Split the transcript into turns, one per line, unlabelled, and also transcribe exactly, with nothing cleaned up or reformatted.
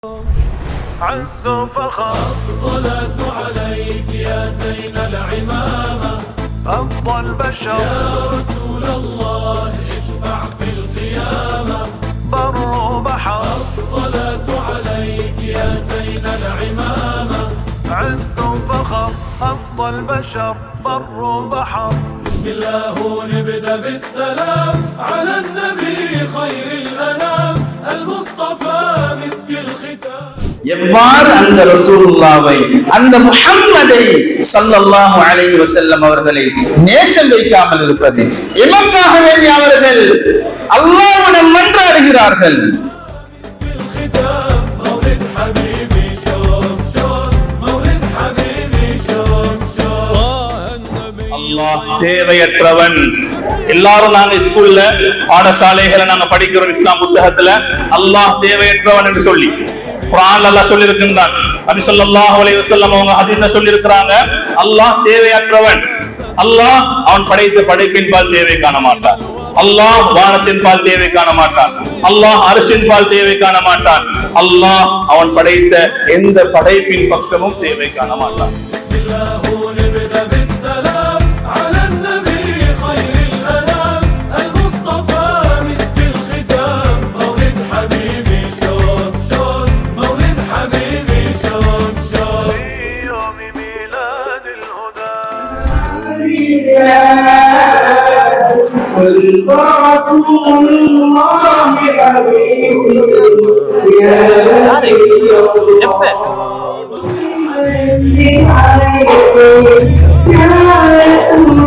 عز فخر الصلاة عليك يا زين العمامة أفضل بشر يا رسول الله اشفع في القيامة بر بحر الصلاة عليك يا زين العمامة عز فخر أفضل بشر بر بحر بسم الله نبدأ بالسلام على النبي خير الأنام المصطفى مسك الختام.
எவ்வாறு அந்த ரசூலுல்லாவை அந்த முஹம்மதை ஸல்லல்லாஹு அலைஹி வஸல்லம் அவர்களை நேசம் வைக்காமல் இருப்பது? எமக்காக வேண்டி அவர்கள் அல்லாஹ்விடம் மன்றாடுகிறார்கள். அல்லாஹ் தேவையற்றவன். எல்லாரும் நாங்க ஸ்கூல்ல பாடசாலைகளை நாங்க படிக்கிறோம் இஸ்லாம் புத்தகத்துல அல்லாஹ் தேவையற்றவன் என்று சொல்லி குர்ஆன்ல அல்லாஹ் சொல்லி இருக்கின்றான். நபி ஸல்லல்லாஹு அலைஹி வஸல்லம் அவங்க ஹதீஸ்ல சொல்லி இருக்காங்க, அல்லாஹ் தேவையற்றவன். அல்லாஹ் அவன் படைத்த படைப்பின் பால் தேவை காண மாட்டான். அல்லாஹ் வானத்தின் பால் தேவை காண மாட்டான். அல்லாஹ் அர்ஷின் பால் தேவை காண மாட்டான். அல்லாஹ் அவன் படைத்த எந்த படைப்பின் பக்கமும் தேவை காண மாட்டான்.
رسول الله حبيب يا رسول الله